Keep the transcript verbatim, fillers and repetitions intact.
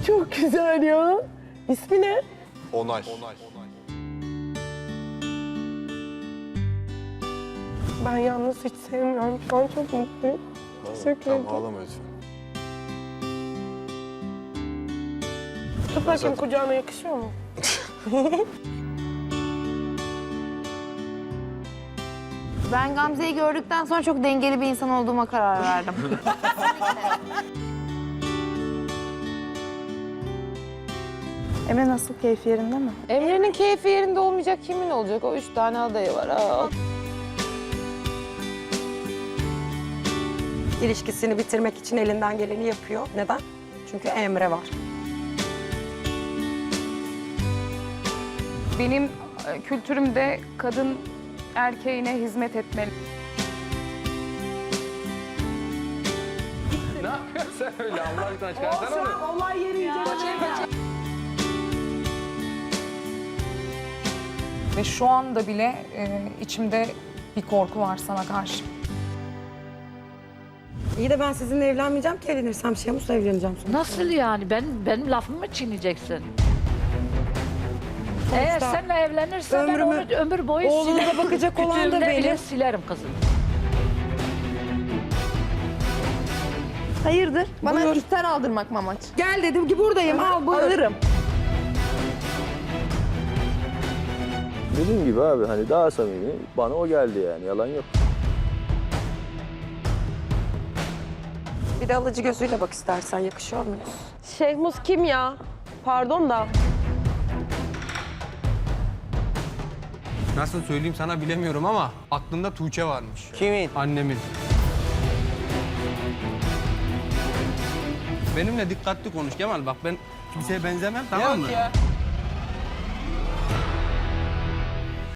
Çok güzel ya. İsmi ne? Onay. Ben yalnız hiç sevmiyorum. Şu an çok mutluyum. Teşekkür ederim. Tamam ağlama lütfen. Tut bakayım kucağına yakışıyor mu? Ben Gamze'yi gördükten sonra çok dengeli bir insan olduğuma karar verdim. Emre nasıl, keyfi yerinde mi? Emre'nin keyfi yerinde olmayacak kimin olacak? O üç tane adayı var. Aa. İlişkisini bitirmek için elinden geleni yapıyor. Neden? Çünkü Emre var. Benim e, kültürümde kadın erkeğine hizmet etmeli. Ne yapıyorsun sen öyle Allah aşkına çıkarsana onu. Olay yeri inceleme. Ve şu anda bile e, içimde bir korku var sana karşı. İyi de ben sizinle evlenmeyeceğim ki evlenirsem Şemus'la evleneceğim sonra. Nasıl yani? Ben, benim lafımı mı çiğneyeceksin? Eğer seninle evlenirsen ben ömrümü- onu ömür boyu oğluna silerim. bakacak olan da Kütüğümde bile benim. silerim kızım. Hayırdır? Bana Buyur. ister aldırmak mı amaç? Gel dedim ki buradayım, al buyur. Alırım. Dediğim gibi abi hani daha samimi bana o geldi yani yalan yok. Bir de alıcı gözüyle bak istersen, yakışıyor muyuz? Şehmus kim ya? Pardon da. Nasıl söyleyeyim sana bilemiyorum ama aklında Tuğçe varmış. Kimin? Annemin. Benimle dikkatli konuş Kemal, bak ben kimseye benzemem, tamam mı? Yok ya.